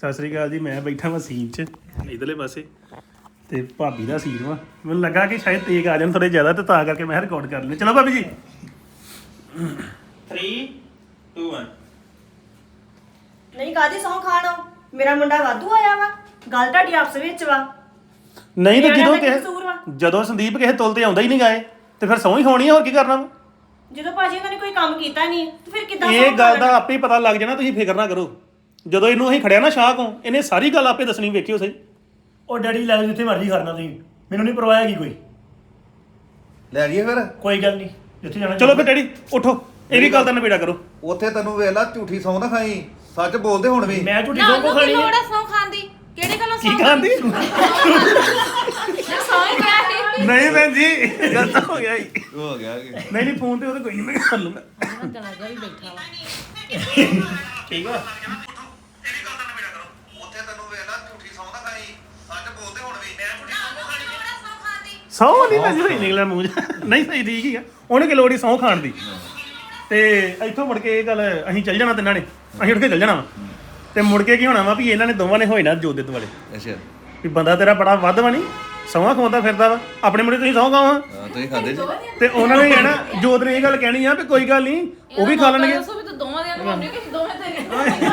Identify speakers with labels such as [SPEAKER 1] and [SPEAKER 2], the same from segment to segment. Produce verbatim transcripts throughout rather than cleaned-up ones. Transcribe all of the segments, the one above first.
[SPEAKER 1] ਸਤਿ ਸ੍ਰੀ ਅਕਾਲ ਜੀ। ਮੈਂ ਬੈਠਾ ਵਾਂ ਸੀਨ 'ਚ ਇਧਰਲੇ ਪਾਸੇ ਤੇ ਭਾਬੀ ਦਾ ਸੀਨ ਵਾ। ਮੈਨੂੰ ਲੱਗਾ ਕਿ ਸ਼ਾਇਦ ਤੇਗ ਆ ਜਾਣ ਥੋੜੇ ਜ਼ਿਆਦਾ ਤੇ ਤਾਂ ਕਰਕੇ ਮੈਂ ਰਿਕਾਰਡ ਕਰ ਲਿਆ। ਚਲੋ ਭਾਬੀ ਜੀ
[SPEAKER 2] three two one
[SPEAKER 3] ਨਹੀਂ ਕਾਦੀ ਸੌਂ ਖਾਣੋ ਮੇਰਾ ਮੁੰਡਾ ਵਾਧੂ ਆਇਆ ਵਾ ਗੱਲ ਤੁਹਾਡੀ ਆਪਸ ਵਿੱਚ ਵਾ।
[SPEAKER 1] ਨਹੀਂ ਤੇ ਜਦੋਂ
[SPEAKER 3] ਕਿਸੇ
[SPEAKER 1] ਕਿਸੇ ਜਦੋਂ ਸੰਦੀਪ ਕਿਸੇ ਤੁਲ ਤੇ ਆਉਂਦਾ ਹੀ ਨਹੀਂ ਗਾਏ ਤੇ ਫਿਰ ਸੌਂ ਹੀ ਹੋਣੀ ਆ, ਹੋਰ ਕੀ ਕਰਨਾ ਵਾ?
[SPEAKER 3] ਜਦੋਂ ਭਾਜੀ ਉਹਨਾਂ ਨੇ ਕੋਈ ਕੰਮ ਕੀਤਾ ਨਹੀਂ ਤੇ ਫਿਰ ਕਿੱਦਾਂ
[SPEAKER 1] ਇਹ ਗੱਲ ਦਾ ਆਪੇ ਹੀ ਪਤਾ ਲੱਗ ਜਾਣਾ, ਤੁਸੀਂ ਫਿਕਰ ਨਾ ਕਰੋ। ਜਦੋਂ ਇਹਨੂੰ ਅਸੀਂ ਖੜਿਆ ਨਾ ਸ਼ਾਹ ਕੋ ਇਹਨੇ ਸਾਰੀ ਗੱਲ ਆਪੇ ਦੱਸਣੀ, ਵੇਖਿਓ ਸਹੀ।
[SPEAKER 4] ਉਹ ਡੈਡੀ ਲੈ ਜਾਓ ਜਿੱਥੇ ਮਰਜ਼ੀ ਕਰਨਾ ਤੁਸੀਂ, ਮੈਨੂੰ ਨਹੀਂ ਪਰਵਾਹ ਹੈਗੀ ਕੋਈ।
[SPEAKER 5] ਲੈ ਜਾਈਏ ਫਿਰ
[SPEAKER 4] ਕੋਈ ਗੱਲ ਨਹੀਂ ਜਿੱਥੇ ਜਾਣਾ।
[SPEAKER 1] ਚਲੋ ਫਿਰ ਡੈਡੀ ਉੱਠੋ, ਇਹ ਵੀ ਗੱਲ ਦਾ ਨਿਬੇੜਾ ਕਰੋ।
[SPEAKER 5] ਉੱਥੇ ਤੈਨੂੰ ਵੇਖ ਲਾ ਝੂਠੀ ਸੌਂ ਨਾ ਖਾਈ, ਸੱਚ ਬੋਲਦੇ ਹੁਣ ਵੀ।
[SPEAKER 4] ਮੈਂ ਝੂਠੀ ਸੌਂ ਕੋ ਖਾਣੀ ਹੈ।
[SPEAKER 6] ਲੋੜਾ ਸੌ ਖਾਂਦੀ ਕਿਹੜੇ ਗੱਲੋਂ
[SPEAKER 1] ਕੀ ਖਾਂਦੀ?
[SPEAKER 6] ਸੌ ਹੀ ਗਿਆ ਸੀ
[SPEAKER 1] ਨਹੀਂ ਭੈਣ ਜੀ ਗਲਤ ਹੋ ਗਿਆ ਜੀ।
[SPEAKER 5] ਹੋ ਗਿਆ ਕਿ
[SPEAKER 1] ਨਹੀਂ ਨਹੀਂ ਫੋਨ ਤੇ ਉਹਦੇ ਕੋਈ ਨਹੀਂ, ਮੈਂ ਕਰ ਲੂੰਗਾ।
[SPEAKER 6] ਜਨਾਜ਼ਾ ਵੀ ਬੈਠਾ ਵਾ
[SPEAKER 1] ਠੀਕ ਆ।
[SPEAKER 5] ਉੱਥੇ ਤੈਨੂੰ ਵੇਖ ਲਾ ਝੂਠੀ ਸੌਂ ਨਾ ਖਾਈ, ਸੱਚ ਬੋਲਦੇ ਹੁਣ ਵੀ। ਮੈਂ ਝੂਠੀ ਸੌਂ ਕੋ ਖਾਣੀ
[SPEAKER 6] ਲੋੜਾ ਸੌ ਖਾਂਦੀ
[SPEAKER 1] ਸੌਂ ਨਹੀਂ ਭੈਣ ਜੀ ਸਹੀ ਨਿਕਲਿਆ ਮੂੰਹ 'ਚ। ਨਹੀਂ ਸਹੀ ਠੀਕ ਹੀ ਆ, ਉਹਨੇ ਕਿ ਲੋੜ ਹੀ ਸਹੁੰ ਖਾਣ ਦੀ। ਤੇ ਇੱਥੋਂ ਮੁੜ ਕੇ ਇਹ ਗੱਲ ਅਸੀਂ ਚੱਲ ਜਾਣਾ ਤਿੰਨਾਂ ਨੇ, ਅਸੀਂ ਉੱਠ ਕੇ ਚੱਲ ਜਾਣਾ ਵਾ। ਤੇ ਮੁੜ ਕੇ ਕੀ ਹੋਣਾ ਵਾ ਵੀ ਇਹਨਾਂ ਨੇ ਦੋਵਾਂ ਨੇ ਹੋਏ ਨਾ ਜੋਤ ਦੇ ਦੁਆਲੇ
[SPEAKER 5] ਅੱਛਾ
[SPEAKER 1] ਵੀ ਬੰਦਾ ਤੇਰਾ ਬੜਾ ਵੱਧ ਵਾ ਨਹੀਂ, ਸਹੁੰ ਖਵਾਉਂਦਾ ਫਿਰਦਾ ਵਾ। ਆਪਣੇ ਮੁੰਡੇ ਤੁਸੀਂ ਸਹੁੰ ਖਾਵਾਂ
[SPEAKER 5] ਹਾਂ, ਤੁਸੀਂ ਖਾਂਦੇ ਜੀ।
[SPEAKER 1] ਤੇ ਉਹਨਾਂ ਨੇ ਕਹਿਣਾ, ਜੋਤ ਨੇ ਇਹ ਗੱਲ ਕਹਿਣੀ ਆ ਵੀ ਕੋਈ ਗੱਲ ਨਹੀਂ ਉਹ ਵੀ ਖਾ ਲੈਣਗੇ।
[SPEAKER 6] ਦੱਸੋ ਵੀ ਤੂੰ ਦੋਵਾਂ ਦੇ ਨੂੰ ਕਿ ਦੋਵੇਂ ਤੇਰੇ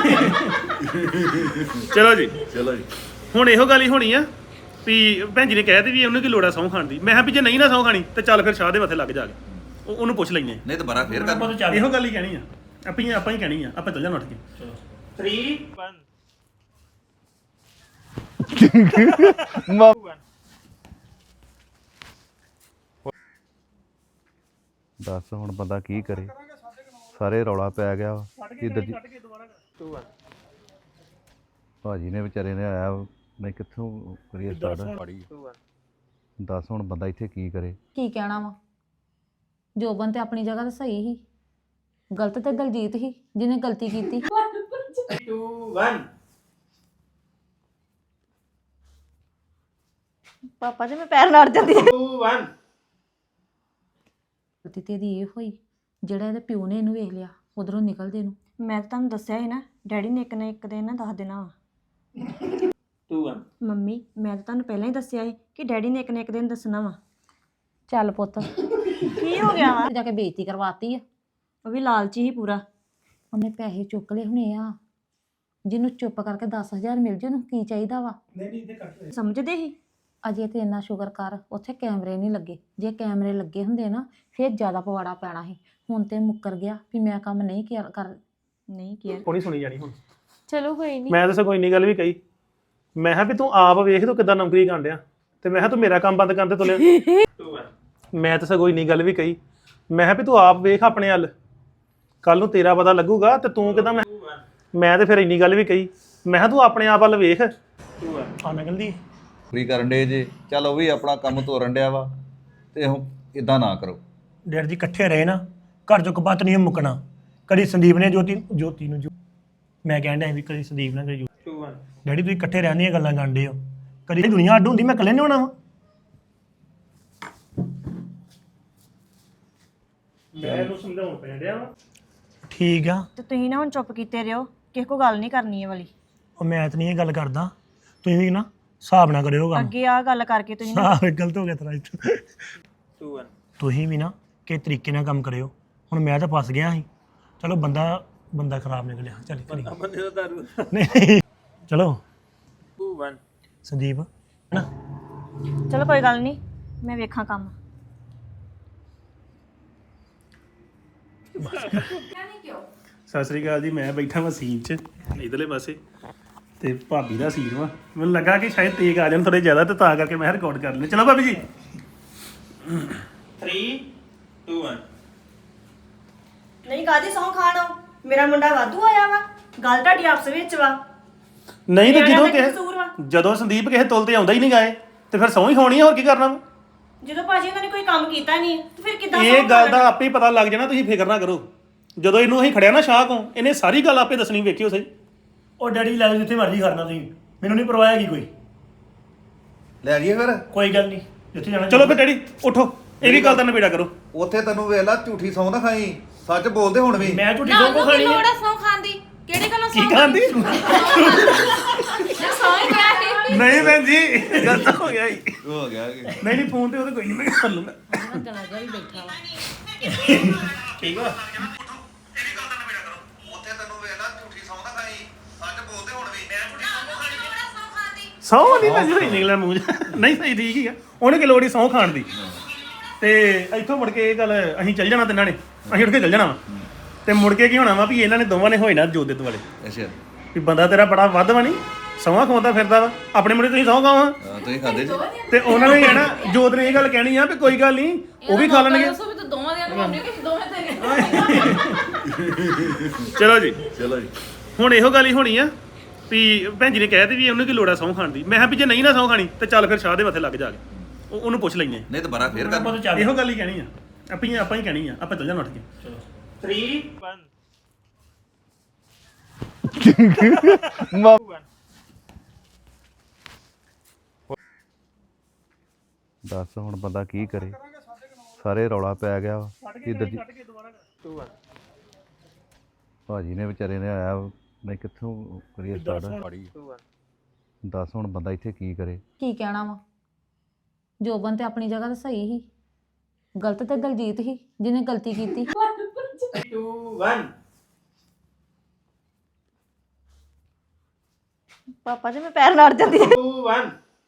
[SPEAKER 1] ਚਲੋ ਜੀ
[SPEAKER 5] ਚਲੋ ਜੀ
[SPEAKER 1] ਹੁਣ ਇਹੋ ਗੱਲ ਹੀ ਹੋਣੀ ਆ ਵੀ ਭੈਣ ਜੀ ਨੇ ਕਹਿ ਦਿੱਤੀ ਵੀ ਉਹਨੂੰ ਕੀ ਲੋੜ ਆ ਸਹੁੰ ਖਾਣ ਦੀ। ਮੈਂ ਕਿਹਾ ਵੀ ਜੇ ਨਹੀਂ ਨਾ ਸਹੁੰ ਖਾਣੀ ਤੇ ਚੱਲ ਫਿਰ ਸ਼ਾਹ ਦੇ ਮੱਥੇ ਲੱਗ ਜਾ ਕੇ, ਉਹ- ਉਹਨੂੰ ਪੁੱਛ ਲੈਂਦੇ
[SPEAKER 5] ਨਹੀਂ ਤਾਂ ਬੜਾ ਫੇਰ
[SPEAKER 4] ਆਪਾਂ
[SPEAKER 5] ਕਰ
[SPEAKER 4] ਤਾਂ ਚੱਲ
[SPEAKER 1] ਇਹੋ ਗੱਲ ਹੀ ਕਹਿਣੀ ਆ, ਆਪਾਂ ਹੀ ਆਪਾਂ ਹੀ ਕਹਿਣੀ ਆ, ਆਪਾਂ ਚੱਲ ਜਾਣਾ ਉੱਠ ਕੇ।
[SPEAKER 2] three one
[SPEAKER 5] ਦੱਸ ਹੁਣ ਬੰਦਾ ਕੀ ਕਰੇ, ਸਾਰੇ ਰੌਲਾ ਪੈ ਗਿਆ ਵਾ ਕਿ ਦਰਜੀ
[SPEAKER 2] two one
[SPEAKER 5] ਭਾਜੀ ਨੇ ਵਿਚਾਰੇ ਨੇ ਆਇਆ ਮੈਂ ਕਿੱਥੋਂ ਕਰੀਏ ਸਟਾਰਟ।
[SPEAKER 2] two one
[SPEAKER 5] ਦੱਸ ਹੁਣ ਬੰਦਾ ਇੱਥੇ ਕੀ ਕਰੇ।
[SPEAKER 6] ਕੀ ਕਹਿਣਾ ਵਾ, ਜੋਬਨ ਤੇ ਆਪਣੀ ਜਗ੍ਹਾ ਤੇ ਸਹੀ ਸੀ, ਗਲਤ ਤੇ ਦਲਜੀਤ ਸੀ ਜਿਹਨੇ ਗਲਤੀ ਕੀਤੀ।
[SPEAKER 2] two one
[SPEAKER 3] ਪਾਪਾ ਜੀ ਮੈਂ ਪੈਰ ਲੜ ਜਾਂਦੀ
[SPEAKER 2] two one
[SPEAKER 6] ਗਲਤੀ ਤੇ ਇਹਦੀ ਇਹ ਹੋਈ ਜਿਹੜਾ ਇਹਦੇ ਪਿਓ ਨੇ ਇਹਨੂੰ ਵੇਖ ਲਿਆ ਉਧਰੋਂ ਨਿਕਲਦੇ ਨੂੰ।
[SPEAKER 3] ਮੈਂ ਤਾਂ ਤੁਹਾਨੂੰ ਦੱਸਿਆ ਸੀ ਨਾ ਡੈਡੀ ਨੇ ਇੱਕ ਨਾ ਇੱਕ ਦਿਨ ਨਾ ਦੱਸ ਦੇਣਾ ਵਾ।
[SPEAKER 2] two one
[SPEAKER 3] ਮੰਮੀ ਮੈਂ ਤਾਂ ਤੁਹਾਨੂੰ ਪਹਿਲਾਂ ਹੀ ਦੱਸਿਆ ਸੀ ਕਿ ਡੈਡੀ ਨੇ ਇੱਕ ਨਾ ਇੱਕ ਦਿਨ ਦੱਸਣਾ ਵਾ।
[SPEAKER 6] ਚੱਲ ਪੁੱਤ
[SPEAKER 3] ਕੀ ਹੋ ਗਿਆ ਵਾ?
[SPEAKER 6] ਜਾ ਕੇ ਬੇਇੱਜ਼ਤੀ ਕਰਵਾਤੀ ਆ।
[SPEAKER 3] ਉਹ ਵੀ ਲਾਲਚੀ ਹੀ ਪੂਰਾ।
[SPEAKER 6] ਉਹਨੇ ਪੈਸੇ ਚੁੱਕ ਲਏ ਹੁਣੇ ਆ, ਜਿਹਨੂੰ ਚੁੱਪ ਕਰਕੇ ਦਸ ਹਜ਼ਾਰ ਮਿਲ ਜੇ ਉਹਨੂੰ ਕੀ ਚਾਹੀਦਾ ਵਾ।
[SPEAKER 3] ਸਮਝਦੇ ਸੀ
[SPEAKER 6] ਅਜੇ ਤੇ ਇੰਨਾ ਸ਼ੁਕਰ ਕਰ ਉੱਥੇ ਕੈਮਰੇ ਨਹੀਂ ਲੱਗੇ, ਜੇ ਕੈਮਰੇ ਲੱਗੇ ਹੁੰਦੇ ਨਾ ਫਿਰ ਜ਼ਿਆਦਾ ਪਵਾੜਾ ਪੈਣਾ ਸੀ। ਹੁਣ ਤੇ ਮੁੱਕਰ ਗਿਆ ਵੀ ਮੈਂ ਕੰਮ ਨਹੀਂ ਕਿਆ ਕਰ
[SPEAKER 3] ਨਹੀਂ ਕੀ
[SPEAKER 1] ਕੋਣੀ ਸੁਣੀ ਜਾਣੀ ਹੁਣ।
[SPEAKER 6] ਚਲੋ ਕੋਈ ਨਹੀਂ।
[SPEAKER 1] ਮੈਂ ਤਾਂ ਸਗੋਂ ਇੰਨੀ ਗੱਲ ਵੀ ਕਹੀ, ਮੈਂ ਕਿਹਾ ਵੀ ਤੂੰ ਆਪ ਵੇਖ ਤੂੰ ਕਿੱਦਾਂ ਨੌਕਰੀ ਕਰਨ ਡਿਆ, ਤੇ ਮੈਂ ਕਿਹਾ ਤੂੰ ਮੇਰਾ ਕੰਮ ਬੰਦ ਕਰਨ ਤੇ ਤੁਲਿਆ।
[SPEAKER 2] two one
[SPEAKER 1] ਮੈਂ ਤਾਂ ਸਗੋਂ ਇੰਨੀ ਗੱਲ ਵੀ ਕਹੀ, ਮੈਂ ਕਿਹਾ ਵੀ ਤੂੰ ਆਪ ਵੇਖ ਆਪਣੇ ਹੱਲ, ਕੱਲ ਨੂੰ ਤੇਰਾ ਪਤਾ ਲੱਗੂਗਾ ਤੇ ਤੂੰ ਕਿੱਦਾਂ। ਮੈਂ ਮੈਂ ਤੇ ਫਿਰ ਇੰਨੀ ਗੱਲ ਵੀ ਕਹੀ, ਮੈਂ ਕਿਹਾ ਤੂੰ ਆਪਣੇ ਆਪ ਵੱਲ ਵੇਖ।
[SPEAKER 2] two one
[SPEAKER 4] ਆ ਨਿਕਲਦੀ
[SPEAKER 5] ਫਰੀ ਕਰਨ ਡੇ ਜੇ, ਚੱਲ ਉਹ ਵੀ ਆਪਣਾ ਕੰਮ ਤੋਰਨ ਡਿਆ ਵਾ ਤੇ ਹੁਣ ਇਦਾਂ ਨਾ ਕਰੋ।
[SPEAKER 4] ਡੈਡੀ ਜੀ ਇਕੱਠੇ ਰਹੇ ਨਾ, ਘਰ ਚੋਂ ਕਪੱਤ ਨਹੀਂ ਮੁੱਕਣਾ। ਕਦੀ ਸੰਦੀਪ ਨੇ ਜੋਤੀ ਜੋਤੀ ਨੂੰ ਜੋ ਮੈਂ ਕਹਿਣ ਡਿਆ ਵੀ ਕਦੀ ਸੰਦੀਪ ਨਾਲ ਕਦੀ ਜੋਤੀ।
[SPEAKER 2] two one
[SPEAKER 4] ਡੈਡੀ ਤੁਸੀਂ ਇਕੱਠੇ ਰਹਿਣ ਦੀਆਂ ਗੱਲਾਂ ਕਰਦੇ ਹੋ, ਕਦੀ ਦੁਨੀਆ ਅੱਡ ਹੁੰਦੀ ਮੈਂ ਇਕੱਲੇ ਨਹੀਂ ਹੋਣਾ ਵਾ।
[SPEAKER 1] ਮੈਂ ਇਹਨੂੰ ਸਮਝਾਉਣ ਪੈਣ ਡਿਆ ਵਾ।
[SPEAKER 4] ਠੀਕ ਆ,
[SPEAKER 3] ਤੇ ਤੁਸੀਂ ਨਾ ਹੁਣ ਚੁੱਪ ਕੀਤੇ ਰਹੋ, ਕਿਸੇ ਕੋ ਗੱਲ ਨਹੀਂ ਕਰਨੀ ਇਹ ਵਾਲੀ।
[SPEAKER 4] ਉਹ ਮੈਂ ਤਾਂ ਨਹੀਂ ਇਹ ਗੱਲ ਕਰਦਾ, ਤੁਸੀਂ ਵੀ ਨਾ ਹਿਸਾਬ ਨਾ ਕਰਿਓ ਕੰਮ।
[SPEAKER 3] ਅੱਗੇ ਆ ਗੱਲ ਕਰਕੇ ਤੁਸੀਂ ਨਾ
[SPEAKER 4] ਹਾਂ ਗਲਤ ਹੋ ਗਿਆ ਤੇਰਾ ਇੱਥੇ।
[SPEAKER 2] two one
[SPEAKER 4] ਤੁਸੀਂ ਵੀ ਨਾ ਕਿ ਤਰੀਕੇ ਨਾਲ ਕੰਮ ਕਰਿਓ। ਹੁਣ ਮੈਂ ਤਾਂ ਫਸ ਗਿਆ ਸੀ, ਚਲੋ ਬੰਦਾ ਬੰਦਾ ਖਰਾਬ ਨਿਕਲਿਆ। ਚੱਲ ਕਰੀ
[SPEAKER 2] ਬੰਦੇ ਦਾ ਦਾਰੂ
[SPEAKER 4] ਨਹੀਂ ਚਲੋ
[SPEAKER 2] two one
[SPEAKER 4] ਸੰਦੀਪ ਨਾ
[SPEAKER 3] ਚਲੋ ਕੋਈ ਗੱਲ ਨਹੀਂ, ਮੈਂ ਵੇਖਾਂ ਕੰਮ।
[SPEAKER 1] ਸਤਿ ਸ੍ਰੀ ਅਕਾਲ ਜੀ। ਮੈਂ ਬੈਠਾ ਵਾਂ ਸੀਨ 'ਚ ਇਧਰਲੇ ਪਾਸੇ ਤੇ ਭਾਬੀ ਦਾ ਸੀਨ ਵਾ। ਮੈਨੂੰ ਲੱਗਾ ਕਿ ਸ਼ਾਇਦ ਤੇਗ ਆ ਜਾਣ ਥੋੜੇ ਜ਼ਿਆਦਾ ਤੇ ਤਾਂ ਕਰਕੇ ਮੈਂ ਰਿਕਾਰਡ ਕਰ ਲਿਆ। ਚਲੋ ਭਾਬੀ ਜੀ
[SPEAKER 2] three two one
[SPEAKER 3] ਨਹੀਂ ਕਾਦੀ ਸੌਂ ਖਾਣੋ ਮੇਰਾ ਮੁੰਡਾ ਵਾਧੂ ਆਇਆ ਵਾ ਗੱਲ ਤੁਹਾਡੀ ਆਪਸ ਵਿੱਚ ਵਾ।
[SPEAKER 1] ਨਹੀਂ ਤੇ ਜਦੋਂ
[SPEAKER 3] ਕਿਸੇ
[SPEAKER 1] ਕਿਸੇ ਜਦੋਂ ਸੰਦੀਪ ਕਿਸੇ ਤੁਲ ਤੇ ਆਉਂਦਾ ਹੀ ਨਹੀਂ ਗਾਏ ਤੇ ਫਿਰ ਸਹੁੰ ਹੀ ਹੋਣੀ ਆ, ਹੋਰ ਕੀ ਕਰਨਾ ਵਾ?
[SPEAKER 3] ਜਦੋਂ ਭਾਜੀ ਉਹਨਾਂ ਨੇ ਕੋਈ ਕੰਮ ਕੀਤਾ ਨਹੀਂ ਤੇ ਫਿਰ ਕਿੱਦਾਂ
[SPEAKER 1] ਇਹ ਗੱਲ ਦਾ ਆਪੇ ਹੀ ਪਤਾ ਲੱਗ ਜਾਣਾ, ਤੁਸੀਂ ਫਿਕਰ ਨਾ ਕਰੋ। ਜਦੋਂ ਇਹਨੂੰ ਅਸੀਂ ਖੜਿਆ ਨਾ ਸ਼ਾਹ ਕੋ ਇਹਨੇ ਸਾਰੀ ਗੱਲ ਆਪੇ ਦੱਸਣੀ, ਵੇਖਿਓ ਸਹੀ।
[SPEAKER 4] ਉਹ ਡੈਡੀ ਲੈ ਜਾਓ ਜਿੱਥੇ ਮਰਜ਼ੀ ਕਰਨਾ ਤੁਸੀਂ, ਮੈਨੂੰ ਨਹੀਂ ਪਰਵਾਹ ਹੈਗੀ ਕੋਈ।
[SPEAKER 5] ਲੈ ਜਾਈਏ ਫਿਰ
[SPEAKER 4] ਕੋਈ ਗੱਲ ਨਹੀਂ ਜਿੱਥੇ ਜਾਣਾ।
[SPEAKER 1] ਚਲੋ ਫਿਰ ਡੈਡੀ ਉੱਠੋ, ਇਹ ਵੀ ਗੱਲ ਦਾ ਨਿਬੇੜਾ ਕਰੋ।
[SPEAKER 5] ਉੱਥੇ ਤੈਨੂੰ ਵੇਖ ਲਾ ਝੂਠੀ ਸੌਂ ਨਾ ਖਾਈ, ਸੱਚ ਬੋਲਦੇ ਹੁਣ ਵੀ।
[SPEAKER 4] ਮੈਂ ਝੂਠੀ ਸੌਂ ਕੋ ਖਾਣੀ ਹੈ।
[SPEAKER 6] ਲੋੜਾ ਸੌ ਖਾਂਦੀ ਕਿਹੜੇ ਗੱਲੋਂ
[SPEAKER 1] ਕੀ ਖਾਂਦੀ? ਭੈਣ ਜੀ ਗਲਤ ਹੋ ਗਿਆ ਜੀ
[SPEAKER 5] ਹੋ ਗਿਆ ਕਿ
[SPEAKER 1] ਨਹੀਂ ਨਹੀਂ ਫੋਨ ਤੇ ਉਹਦੇ ਕੋਈ ਨਹੀਂ ਮੈਂ ਕਰ ਲੂੰਗਾ
[SPEAKER 6] ਚਲਾ ਜਾ ਵੀ ਬੈਠਾ ਵਾ
[SPEAKER 1] ਠੀਕ ਵਾ
[SPEAKER 5] ਉੱਥੇ ਤੈਨੂੰ ਵੇਖ ਲੈ ਝੂਠੀ ਸੌਂ ਦਾ ਖਾਈ ਅੱਜ ਬੋਲਦੇ ਹੁਣ ਵੀ ਮੈਂ ਝੂਠੀ
[SPEAKER 1] ਸੌ ਨਹੀਂ ਮੈਂ ਸਹੀ ਨਿਕਲਿਆ ਮੂੰਹ 'ਚ। ਨਹੀਂ ਸਹੀ ਠੀਕ ਹੀ ਆ ਉਹਨੇ ਕਿ ਲੋੜ ਹੀ ਸਹੁੰ ਖਾਣ ਦੀ ਤੇ ਇੱਥੋਂ ਮੁੜ ਕੇ ਇਹ ਗੱਲ ਅਸੀਂ ਚੱਲ ਜਾਣਾ ਤਿੰਨਾਂ ਨੇ ਅਸੀਂ ਉੱਠ ਕੇ ਚੱਲ ਜਾਣਾ ਵਾ ਤੇ ਮੁੜ ਕੇ ਕੀ ਹੋਣਾ ਵਾ ਵੀ ਇਹਨਾਂ ਨੇ ਦੋਵਾਂ ਨੇ ਹੋਏ ਨਾ ਜੋਦਿਤ ਵਾਲੇ
[SPEAKER 5] ਅੱਛਾ
[SPEAKER 1] ਵੀ ਬੰਦਾ ਤੇਰਾ ਬੜਾ ਵੱਧ ਵਾ ਨਹੀਂ ਸਹੁੰ ਖਵਾਉਂਦਾ ਫਿਰਦਾ ਵਾ ਆਪਣੇ ਮੁੰਡੇ ਤੁਸੀਂ ਸਹੁੰ ਖਾਵਾਂ
[SPEAKER 5] ਹਾਂ, ਤੁਸੀਂ ਖਾਦੇ ਜੀ
[SPEAKER 1] ਤੇ ਉਹਨਾਂ ਨੇ ਕਹਿਣਾ ਜੋਤ ਨੇ ਇਹ ਗੱਲ ਕਹਿਣੀ ਆ ਵੀ ਕੋਈ ਗੱਲ ਨਹੀਂ ਉਹ ਵੀ ਖਾ ਲੈਣਗੇ
[SPEAKER 6] ਦੱਸੋ ਵੀ ਤੂੰ ਦੋਵਾਂ ਦੀਆਂ ਬਣਾਉਣੀ ਕਿ ਦੋਵੇਂ ਤੇ
[SPEAKER 1] ਚਲੋ ਜੀ
[SPEAKER 5] ਚਲੋ ਜੀ
[SPEAKER 1] ਹੁਣ ਇਹੋ ਗੱਲ ਹੀ ਹੋਣੀ ਆ ਵੀ ਭੈਣ ਜੀ ਨੇ ਕਹਿ ਦਿੱਤੀ ਵੀ ਉਹਨੂੰ ਕੀ ਲੋੜ ਆ ਸਹੁੰ ਖਾਣ ਦੀ ਮੈਂ ਕਿਹਾ ਵੀ ਜੇ ਨਹੀਂ ਨਾ ਸਹੁੰ ਖਾਣੀ ਤੇ ਚੱਲ ਫਿਰ ਸ਼ਾਹ ਦੇ ਮੱਥੇ ਲੱਗ ਜਾ ਕੇ ਉਹ- ਉਹਨੂੰ ਪੁੱਛ ਲੈਂਦੇ
[SPEAKER 5] ਨਹੀਂ ਤਾਂ ਬੜਾ ਫੇਰ ਕਰ
[SPEAKER 4] ਆਪਾਂ ਤਾਂ ਚੱਲ
[SPEAKER 1] ਇਹੋ ਗੱਲ ਹੀ ਕਹਿਣੀ ਆ ਆਪਾਂ ਹੀ ਆਪਾਂ ਹੀ ਕਹਿਣੀ ਆ ਆਪਾਂ ਚੱਲ ਜਾਣਾ ਉੱਠ ਕੇ
[SPEAKER 2] three one
[SPEAKER 5] ਦੱਸ ਹੁਣ ਬੰਦਾ ਕੀ ਕਰੇ ਸਾਰੇ ਰੌਲਾ ਪੈ ਗਿਆ ਵਾ ਇੱਧਰ ਜੀ
[SPEAKER 2] two one
[SPEAKER 5] ਭਾਜੀ ਨੇ ਵਿਚਾਰੇ ਨੇ ਆਇਆ ਮੈਂ ਕਿੱਥੋਂ ਕਰੀਏ ਸਟਾਰਟ
[SPEAKER 2] two one
[SPEAKER 5] ਦੱਸ ਹੁਣ ਬੰਦਾ ਇੱਥੇ ਕੀ ਕਰੇ
[SPEAKER 6] ਕੀ ਕਹਿਣਾ ਵਾ ਜੋਬਨ ਤੇ ਆਪਣੀ ਜਗ੍ਹਾ ਤੇ ਸਹੀ ਸੀ ਗਲਤ ਤੇ ਦਲਜੀਤ ਸੀ ਜਿਹਨੇ ਗਲਤੀ ਕੀਤੀ
[SPEAKER 2] two one
[SPEAKER 3] ਪਾਪਾ ਜੀ ਮੈਂ ਪੈਰ ਲੜ ਜਾਂਦੀ
[SPEAKER 2] two one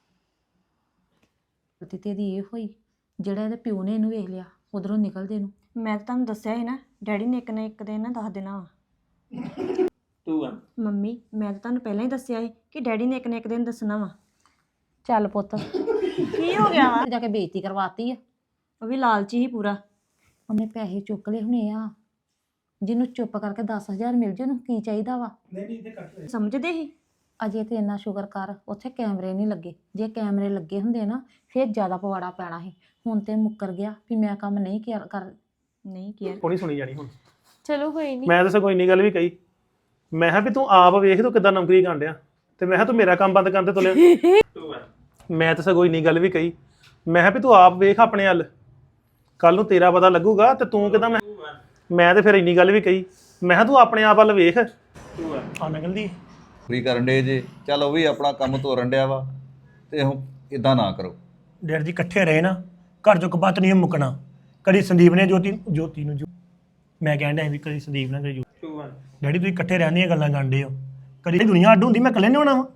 [SPEAKER 6] ਗਲਤੀ ਤੇ ਇਹਦੀ ਇਹ ਹੋਈ ਜਿਹੜਾ ਇਹਦੇ ਪਿਓ ਨੇ ਇਹਨੂੰ ਵੇਖ ਲਿਆ ਉਧਰੋਂ ਨਿਕਲਦੇ ਨੂੰ
[SPEAKER 3] ਮੈਂ ਤਾਂ ਤੁਹਾਨੂੰ ਦੱਸਿਆ ਸੀ ਨਾ ਡੈਡੀ ਨੇ ਇੱਕ ਨਾ ਇੱਕ ਦਿਨ ਨਾ ਦੱਸ ਦੇਣਾ ਵਾ
[SPEAKER 2] two one
[SPEAKER 3] ਮੰਮੀ ਮੈਂ ਤਾਂ ਤੁਹਾਨੂੰ ਪਹਿਲਾਂ ਹੀ ਦੱਸਿਆ ਸੀ ਕਿ ਡੈਡੀ ਨੇ ਇੱਕ ਨਾ ਇੱਕ ਦਿਨ ਦੱਸਣਾ ਵਾ
[SPEAKER 6] ਚੱਲ ਪੁੱਤ
[SPEAKER 3] ਕੀ ਹੋ ਗਿਆ ਵਾ
[SPEAKER 6] ਜਾ ਕੇ ਬੇਇੱਜ਼ਤੀ ਕਰਵਾਤੀ ਆ
[SPEAKER 3] ਉਹ ਵੀ ਲਾਲਚੀ ਹੀ ਪੂਰਾ
[SPEAKER 6] ਉਹਨੇ ਪੈਸੇ ਚੁੱਕ ਲਏ ਹੁਣੇ ਆ ਜਿਹਨੂੰ ਚੁੱਪ ਕਰਕੇ ਦਸ ਹਜ਼ਾਰ ਮਿਲ ਜੇ ਉਹਨੂੰ ਕੀ ਚਾਹੀਦਾ ਵਾ
[SPEAKER 3] ਸਮਝਦੇ ਸੀ
[SPEAKER 6] ਅਜੇ ਤੇ ਇੰਨਾ ਸ਼ੁਕਰ ਕਰ ਉੱਥੇ ਕੈਮਰੇ ਨਹੀਂ ਲੱਗੇ ਜੇ ਕੈਮਰੇ ਲੱਗੇ ਹੁੰਦੇ ਨਾ ਫਿਰ ਜ਼ਿਆਦਾ ਪਵਾੜਾ ਪੈਣਾ ਸੀ ਹੁਣ ਤੇ ਮੁੱਕਰ ਗਿਆ ਵੀ ਮੈਂ ਕੰਮ ਨਹੀਂ ਕਰ ਕਰ
[SPEAKER 3] ਨਹੀਂ ਕੀਆ
[SPEAKER 1] ਕੋਣੀ ਸੁਣੀ ਜਾਣੀ ਹੁਣ
[SPEAKER 3] ਚਲੋ ਕੋਈ ਨਹੀਂ
[SPEAKER 1] ਮੈਂ ਤਾਂ ਸਗੋਂ ਇੰਨੀ ਗੱਲ ਵੀ ਕਹੀ ਮੈਂ ਕਿਹਾ ਵੀ ਤੂੰ ਆਪ ਵੇਖ ਤੂੰ ਕਿੱਦਾਂ ਨੌਕਰੀ ਕਰਨ ਡਿਆ ਤੇ ਮੈਂ ਕਿਹਾ ਤੂੰ ਮੇਰਾ ਕੰਮ ਬੰਦ ਕਰਨ ਤੇ ਤੁਲਿਆ
[SPEAKER 2] two one
[SPEAKER 1] ਮੈਂ ਤਾਂ ਸਗੋਂ ਇੰਨੀ ਗੱਲ ਵੀ ਕਹੀ ਮੈਂ ਕਿਹਾ ਵੀ ਤੂੰ ਆਪ ਵੇਖ ਆਪਣੇ ਹੱਲ ਕੱਲ ਨੂੰ ਤੇਰਾ ਪਤਾ ਲੱਗੂਗਾ ਤੇ ਤੂੰ ਕਿਦਾਂ ਮੈਂ
[SPEAKER 2] two one
[SPEAKER 1] ਮੈਂ ਤੇ ਫਿਰ ਇੰਨੀ ਗੱਲ ਵੀ ਕਹੀ ਮੈਂ ਕਿਹਾ ਤੂੰ ਆਪਣੇ ਆਪ ਵੱਲ ਵੇਖ
[SPEAKER 2] two one
[SPEAKER 1] ਆ ਨਿਕਲਦੀ
[SPEAKER 5] ਫਰੀ ਕਰਨ ਦੇ ਜੇ ਚੱਲ ਉਹ ਵੀ ਆਪਣਾ ਕੰਮ ਤੋਰਨ ਡਿਆ ਵਾ ਤੇ ਹੁਣ ਇਦਾਂ ਨਾ ਕਰੋ
[SPEAKER 4] ਡੈਡ ਜੀ ਇਕੱਠੇ ਰਹੇ ਨਾ ਘਰ ਚੋਂ ਕਬੱਤ ਨਹੀਂ ਮੁੱਕਣਾ ਕਦੀ ਸੰਦੀਪ ਨੇ ਜੋਤੀ ਜੋਤੀ ਨੂੰ ਜੋ ਮੈਂ ਕਹਿਣ ਡਿਆ ਸੀ ਵੀ ਕਦੀ ਸੰਦੀਪ ਨਾਲ ਕਦੀ ਜੋਤੀ
[SPEAKER 2] two one
[SPEAKER 4] ਡੈਡੀ ਤੁਸੀਂ ਇਕੱਠੇ ਰਹਿਣ ਦੀਆਂ ਗੱਲਾਂ ਕਰਦੇ ਹੋ ਕਦੀ ਦੁਨੀਆ ਅੱਡ ਹੁੰਦੀ ਮੈਂ ਇਕੱਲੇ ਨਹੀਂ ਹੋਣਾ ਵਾ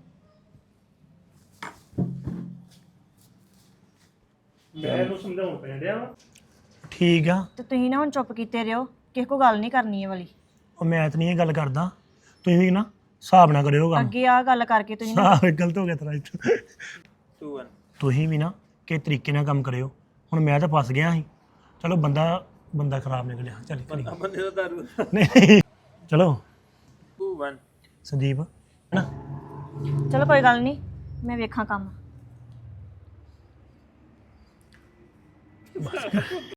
[SPEAKER 1] ਮੈਂ ਇਹਨੂੰ ਸਮਝਾਉਣ ਪੈ ਡਿਆ ਵਾ
[SPEAKER 4] ਠੀਕ ਆ
[SPEAKER 3] ਤੇ ਤੁਸੀਂ ਨਾ ਹੁਣ ਚੁੱਪ ਕੀਤੇ ਰਹੋ ਕਿਸੇ ਕੋ ਗੱਲ ਨਹੀਂ ਕਰਨੀ ਇਹ ਵਾਲੀ
[SPEAKER 4] ਉਹ ਮੈਂ ਤਾਂ ਨਹੀਂ ਇਹ ਗੱਲ ਕਰਦਾ ਤੁਸੀਂ ਵੀ ਨਾ ਹਿਸਾਬ ਨਾ ਕਰਿਓ ਕੰਮ
[SPEAKER 3] ਅੱਗੇ ਆ ਗੱਲ ਕਰਕੇ ਤੁਸੀਂ ਨਾ
[SPEAKER 4] ਹਿਸਾਬ ਗਲਤ ਹੋ ਗਿਆ ਤੇਰਾ ਇੱਥੇ
[SPEAKER 2] two one
[SPEAKER 4] ਤੁਸੀਂ ਵੀ ਨਾ ਕਿ ਤਰੀਕੇ ਨਾਲ ਕੰਮ ਕਰਿਓ ਹੁਣ ਮੈਂ ਤਾਂ ਫਸ ਗਿਆ ਸੀ ਚਲੋ ਬੰਦਾ ਬੰਦਾ ਖਰਾਬ ਨਿਕਲਿਆ ਚੱਲ ਕਰੀ
[SPEAKER 2] ਬੰਦੇ ਦਾ ਦਾਰੂ
[SPEAKER 4] ਨਹੀਂ ਚਲੋ
[SPEAKER 2] two one
[SPEAKER 4] ਸੰਦੀਪ ਹੈਨਾ
[SPEAKER 3] ਚਲੋ ਕੋਈ ਗੱਲ ਨਹੀਂ ਮੈਂ ਵੇਖਾਂ ਕੰਮ